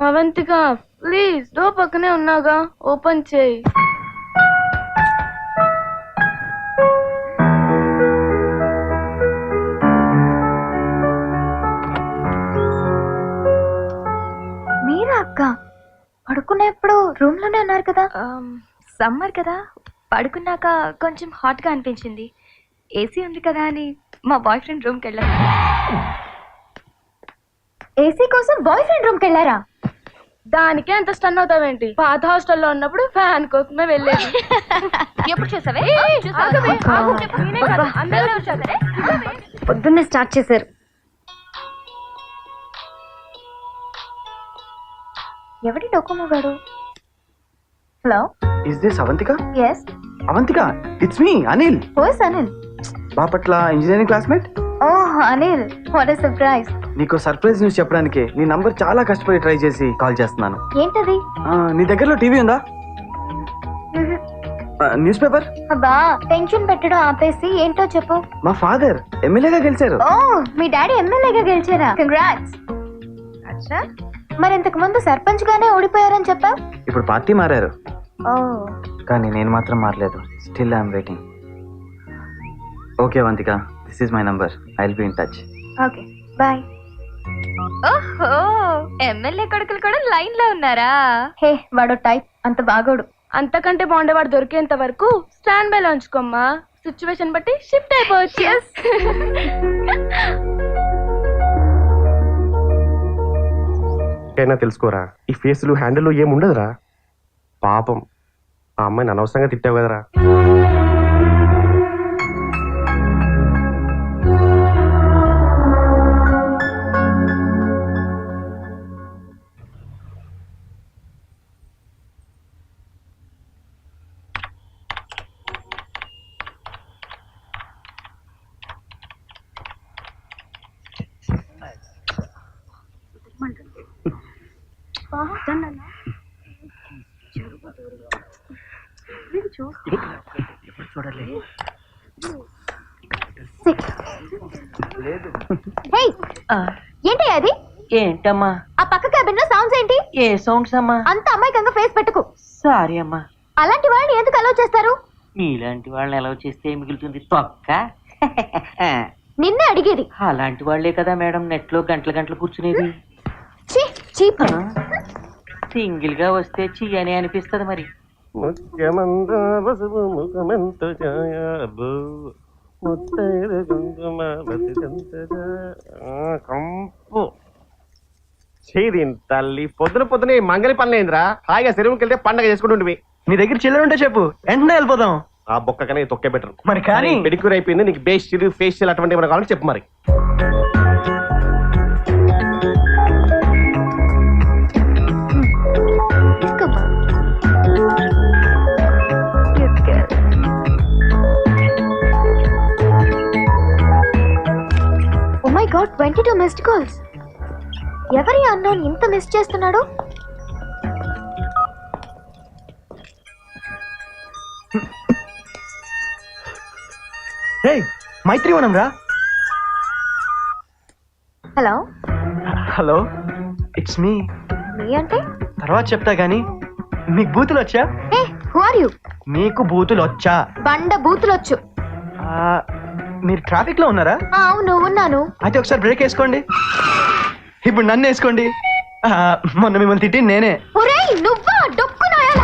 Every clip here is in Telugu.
అవంతిక ప్లీజ్ డోర్ పక్కనే ఉన్నాగా ఓపెన్ చేయి. మీరా అక్క? పడుకునేప్పుడు రూమ్ లోనే ఉన్నారు కదా. సమ్మర్ కదా, పడుకున్నాక కొంచెం హాట్ గా అనిపించింది. ఏసీ ఉంది కదా అని మా బాయ్ ఫ్రెండ్ రూమ్కి వెళ్ళాను. ఏసీ కోసం బాయ్ ఫ్రెండ్ రూమ్ కి వెళ్ళారా? దానికే అంత స్టన్ అవుతావేంటి? పాత హాస్టల్లో ఉన్నప్పుడు ఫ్యాన్ కోసమే వెళ్ళేది. ఎప్పుడు చూసావే? పొద్దున్నే స్టార్ట్ చేశారు. ఎవడి డొక్కుమో గాడు? Hello, is this Avantika? Yes. Avantika, it's me Anil. Who's Anil? Bapatla engineering classmate. Oh Anil, what a surprise. నీకు సర్ప్రైజ్ న్యూస్ చెప్పడానికి నీ నంబర్ చాలా కష్టపడి ట్రై చేసి కాల్ చేస్తున్నాను. ఏంటది? నీ దగ్గరలో టీవీ ఉందా? News paper? అబ్బా, టెన్షన్ పెట్టడం ఆపేసి ఏంటో చెప్పు. మా ఫాదర్ ఎమ్మెల్యేగా గెలిచారు. ఓ, మీ డాడీ ఎమ్మెల్యేగా గెలిచారా? కంగ్రాట్స్. అచ్చా, మరి ఇంతకు ముందు సర్పంచ్ గానే ఓడిపోయారని చెప్పావు. ఇప్పుడు పార్టీ మారారు. ఓ, కానీ నేను మాత్రం మారలేదు. Still I'm waiting. Okay Avantika, this is my number. I will be in touch. Okay, bye. ఓహో, ఎమ్మెల్యే కొడుకులు కూడా లైన్ లో ఉన్నారా? హే, వాడు టైప్, అంత బాగోడు. అంతకంటే బాగుండేవాడు దొరికేంత వరకు స్టాండ్ బై లో ఉంచుకోమ్మా. సిచ్యువేషన్ బట్టి షిఫ్ట్ అయిపోవచ్చు. అయినా తెలుసుకోరా, ఈ ఫేస్లు హ్యాండిల్ ఏముండదురా. పాపం ఆ అమ్మాయిని అనవసరంగా తిట్టావు కదరా. ఏంటి అది? ఏంటమ్మా ఆ పక్క క్యాబిన్ లో సౌండ్స్ ఏంటి? ఏ సౌండ్స్ అమ్మా? అంత అమాయకంగా ఫేస్ పెట్టుకు. సారీ అమ్మా. అలాంటి వాళ్ళని ఎందుకు అలౌ చేస్తారు? మీలాంటి వాళ్ళని ఎలా చేస్తే మిగులుతుంది తొక్క. నిన్నే అడిగేది. అలాంటి వాళ్లే కదా మేడం నెట్ లో గంటల గంటలు కూర్చునేది. సింగిల్ గా వస్తే చెయ్యని అనిపిస్తుంది మరి. తల్లి పొద్దున పొద్దున మంగళి పనులేంద్రా. హాయిగా చెరువుకి వెళ్తే పండగ చేసుకుంటుంటివి. నీ దగ్గర చిల్లర ఉంటే చెప్పు, వెంటనే వెళ్ళిపోదాం. ఆ బొక్క కానీ తొక్కే బెటర్. మరి కానీ పెడిక్యూర్ అయిపోయింది, నీకు బేస్టిల్ ఫేషియల్ అటువంటి ఏమైనా కావాలని చెప్పు మరి. Oh my god, 22 missed calls. ఎవరి అన్నోన్ ఇంత మిస్ చేస్తున్నాడు? హే, మైత్రివనం రా. హలో. Hello, it's me. మీ అంటే? తర్వాత చెప్తా గానీ మీకు బూతులు వచ్చా? ఏ, హూ ఆర్ యు? మీకు బూతులు వచ్చా? బండ బూతులొచ్చు. మీరు ట్రాఫిక్ లో ఉన్నారా? అవును, ఉన్నాను. అయితే ఒకసారి బ్రేక్ వేసుకోండి. ఇప్పుడు నన్ను వేసుకోండి. మొన్న మిమ్మల్ని తిట్టి నేనే. ఒరేయ్, నువ్వా? డొక్కు నాయాలా?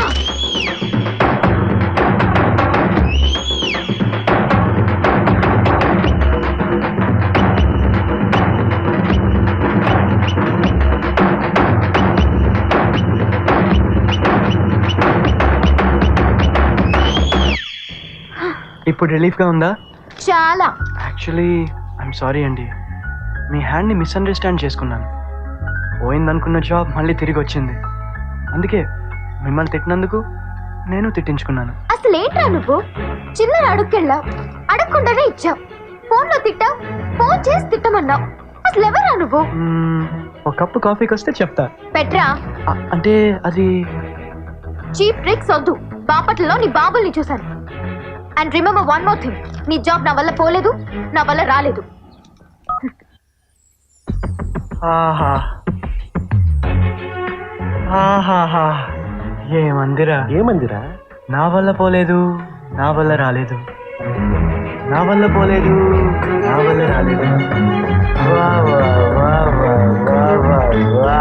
ఇప్పుడు రిలీఫ్ గా ఉందా? చాలా. యాక్చువల్లీ ఐఎమ్ సారీ అండి. మీ హ్యాండ్ని మిస్అండర్స్టాండ్ చేసుకున్నాను. పోయిందనుకున్న జాబ్ మళ్ళీ తిరిగి వచ్చింది. అందుకే మిమ్మల్ని తిట్టినందుకు నేను తిట్టించుకున్నాను. అసలు ఏంట్రా నువ్వు? చిల్లర అడుక్కెళ్ళావు, అడగకుండానే ఇచ్చావు. ఫోన్ లో తిట్టావు, ఫోన్ చేసి తిట్టమన్నావు. అసలు ఎవరా నువ్వు? ఒక కప్పు కాఫీకి వస్తే చెప్తా. పెట్రా. అంటే అది చీప్ ట్రిక్స్ వద్దు. బాపట్లలో నీ బాబుల్ని చూశాను. And remember one more thing, నీ జాబ్ నా వల్ల పోలేదు, నా వల్ల రాలేదు. ఆహా, ఆహాహా ఏమందిరా ఏమందిరా? నా వల్ల పోలేదు, నా వల్ల రాలేదు, నా వల్ల పోలేదు, నా వల్ల రాలేదు. వా వా వా వా వా వా వా.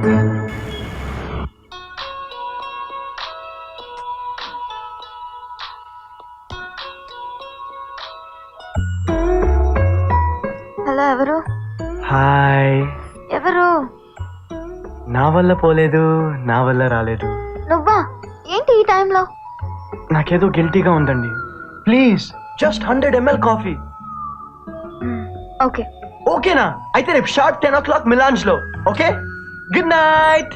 హలో, ఎవరు? హాయ్. ఎవరు? నా వల్ల పోలేదు, నా వల్ల రాలేదు. నువ్వా? ఏంటి ఈ టైంలో? నాకేదో గిల్టీగా ఉందండి. Please just 100 ml coffee. Okay. ఓకేనా? అయితే రేపు షార్ప్ 10 o'clock మిలాన్స్ లో. Okay, good night.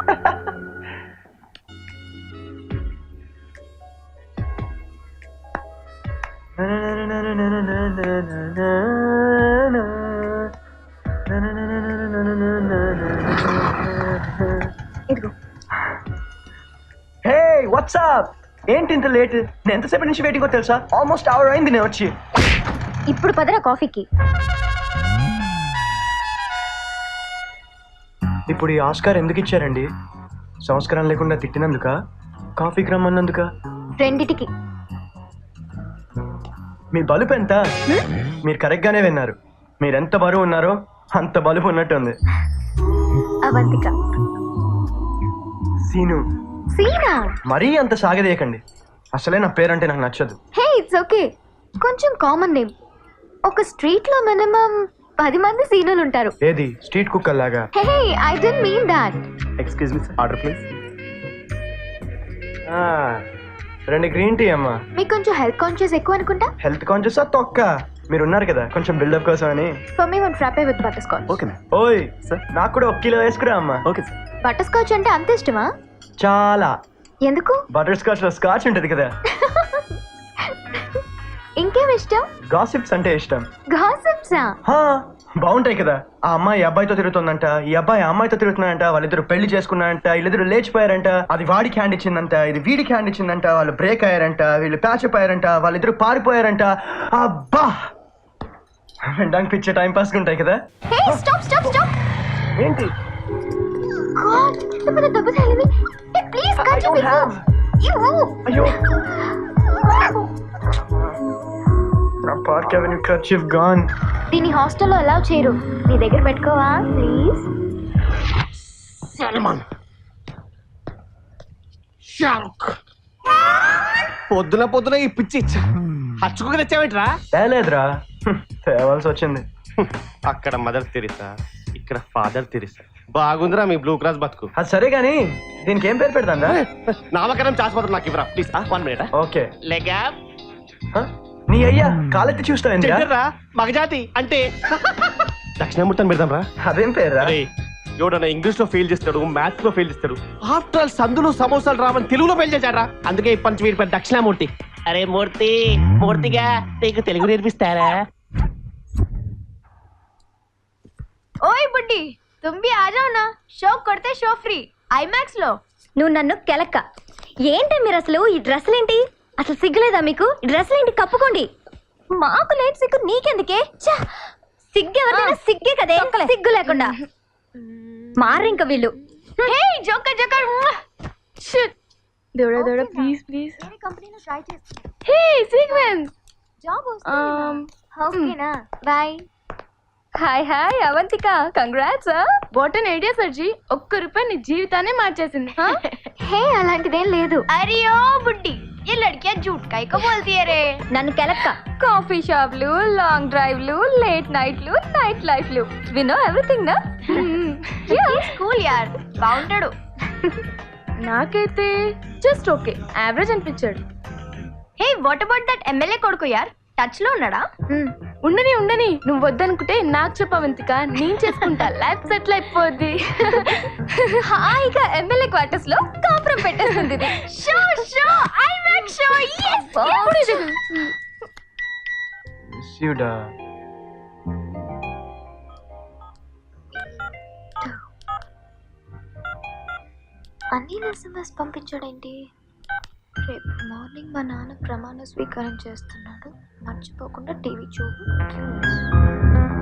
ఇదిగో. హే వాట్సాప్, ఏంటి ఇంత లేట్? నేను ఎంతసేపటి నుంచి వెయిటింగ్ తెలుసా? ఆల్మోస్ట్ అవర్ అయింది నేను వచ్చి. ఇప్పుడు పదరా కాఫీకి. ఇప్పుడు ఈ ఆస్కార్ ఎందుకు ఇచ్చారండి? సంస్కారం లేకుండా తిట్టినందుక, కాఫీకి రమ్మన్నందుక? రెండిటికి. మీ బలుపు ఎంత? మీరు కరెక్ట్ గానే విన్నారు. మీరెంత బరువు ఉన్నారో అంత బలుపు ఉన్నట్టుంది. అవంతిక. సీను. సీనా? మరీ అంత సాగదీయకండి. అసలే నా పేరంటే నాకు నచ్చదు. Hey, it's okay. కొంచెం కామన్ నేమ్. ఒక స్ట్రీట్ లో మినిమం 10 మంది సీనులు ఉంటారు. ఏది స్ట్రీట్ కుక్కర్ లాగా? Hey, I don't mean that. Excuse me, order please. 2 green tea అమ్మా. మీకు కొంచెం హెల్త్ కాన్షియస్ ఎక్కువ అనుకుంటా. హెల్త్ కాన్షియస్ తొక్క. మీరు ఉన్నారు కదా కొంచెం బిల్డప్ కోసం అని. For me 1 frappe with butterscotch. Okay ma'am. ఓయ్ సార్. నాకు కూడా 1 కిలో వేసుకురా అమ్మా. Okay sir. బటర్ స్కాచ్ అంటే అంత ఇష్టమా? చాలా. ఎందుకు? బటర్ స్కాచ్ లో స్కాచ్ ఉంటది కదా. ఇంకేం ఇష్టం? గాసిప్స్ అంటే ఇష్టం. గాసిప్సా? హా, బాగుంటాయి కదా. ఆ అమ్మాయి ఈ అబ్బాయితో తిరుగుతుందంట, ఈ అబ్బాయి ఆ అమ్మాయితో తిరుగుతున్నాడంట, వాళ్ళిద్దరు పెళ్లి చేసుకున్నారంట, వీళ్ళిద్దరు లేచిపోయారంట, అది వాడికి హ్యాండ్ ఇచ్చిందంట, ఇది వీడికి హ్యాండ్ ఇచ్చిందంట, వాళ్ళు బ్రేక్ అయ్యారంట, వీళ్ళు ప్యాచ్ అప్ అయ్యారంట, వాళ్ళిద్దరు పారిపోయారంట. అబ్బా, వినడానికి పిచ్చే టైం పాస్ ఉంటాయి కదా. Hey, stop stop stop. ఏంటి? గాడ్, ఎంత పెద్ద దెబ్బ తగిలింది. Hey, please I don't have. అయ్యో, నా పార్క్ అవెన్యూ కర్చీఫ్ గాన్. దీని హాస్టల్లో అలౌ చేయరు. నీ దగ్గర పెట్టుకోవా ప్లీజ్? పొద్దున పొద్దున ఈ పిచ్చి హచ్చుకు తెచ్చావేంట్రా? తేలేదురా, తేవాల్సి వచ్చింది. అక్కడ మదర్ తెరిసా, ఇక్కడ ఫాదర్ తెరిసా. బాగుందిరా మీ బ్లూ క్రాస్ బతుకు. అది సరే గానీ దీనికి ఏం పేరు పెడతాందా? నామకరణం చేసిపోతారు నాకు ఇవ్వరా ప్లీజ్. 1 minute. ఓకే. లేగా నీ అయ్యా కాలెత్తి చూస్తావేంద్రా? చెడ్డరా మగజాతి అంటే దక్షిణామూర్తి అని పెడదాం రా. అదేం పేరురా? ఎవడన్నా ఇంగ్లీష్ లో ఫెయిల్ చేస్తాడు, మ్యాథ్స్ లో ఫెయిల్ చేస్తాడు. ఆఫ్టర్ ఆల్ సందులు సమోసాలు రావని తెలుగులో ఫెయిల్ చేశారా. అందుకే ఈ పంచ వీడి పేరు దక్షిణామూర్తి. అరే మూర్తి, మూర్తిగా నీకు తెలుగు నేర్పిస్తారా? ఓయ్ బుడ్డి, तुम भी आ जाओ ना, షో కొడితే షో ఫ్రీ ఐమాక్స్ లో. నువ్వు నన్ను కెలక్క. ఏంటి మీరు అసలు ఈ డ్రెస్సులేంటి? అసలు సిగ్గులేదా మీకు? ఈ డ్రెస్సులేంటి? కప్పుకోండి. మాకు లేదు సిగ్గు, నీకెందుకే? సిగ్గు ఎవరిదైనా సిగ్గే కదే, సిగ్గు లేకుండా మారింక వీళ్ళు. హే జోకర్ జోకర్. షిట్, దేవుడా దేవుడా, ప్లీజ్ ప్లీజ్. వేరే కంపెనీలో ట్రై చేస్తా. హే సీక్వెన్స్. జాబ్ వస్తుంది. ఓకేనా? Bye. Hi hi Avantika, congrats. What an idea sir ji. ₹1 నీ జీవితాన్ని మార్చేసింది. హే, అలాంటిదేం లేదు. అరే ఓ బుడ్డి, ये लड़कियां झूठ काहे को बोलती है रे? నన్ను కెలక్క. కాఫీ షాప్లు, లాంగ్ డ్రైవ్లు, లేట్ నైట్లు, నైట్ లైఫ్లు, వి నో ఎవ్రీథింగ్ నా. స్కూల్ యార్ బాగుంటాడు. నాకైతే జస్ట్ ఓకే, యావరేజ్ అనిపించాడు. Hey what about that MLA కొడుకు యార్, టచ్ లో ఉన్నాడా? ఉండని ఉండని, నువ్వు వద్దనుకుంటే నాకు చెప్పవంతిక, నేను చేసుకుంటా. లైఫ్ సెటిల్ అయిపోద్ది. హాయిగా ఎమ్మెల్యే క్వార్టర్స్ లో కాపురం పెట్టేస్తుంది ఇది. Show show IMAX show. మిస్యూడా. అన్ని ఎస్ఎంఎస్ పంపించాడేంటి? రేపు మార్నింగ్ మా నాన్న ప్రమాణ స్వీకారం చేస్తున్నాడు, మర్చిపోకుండా టీవీ చూడు.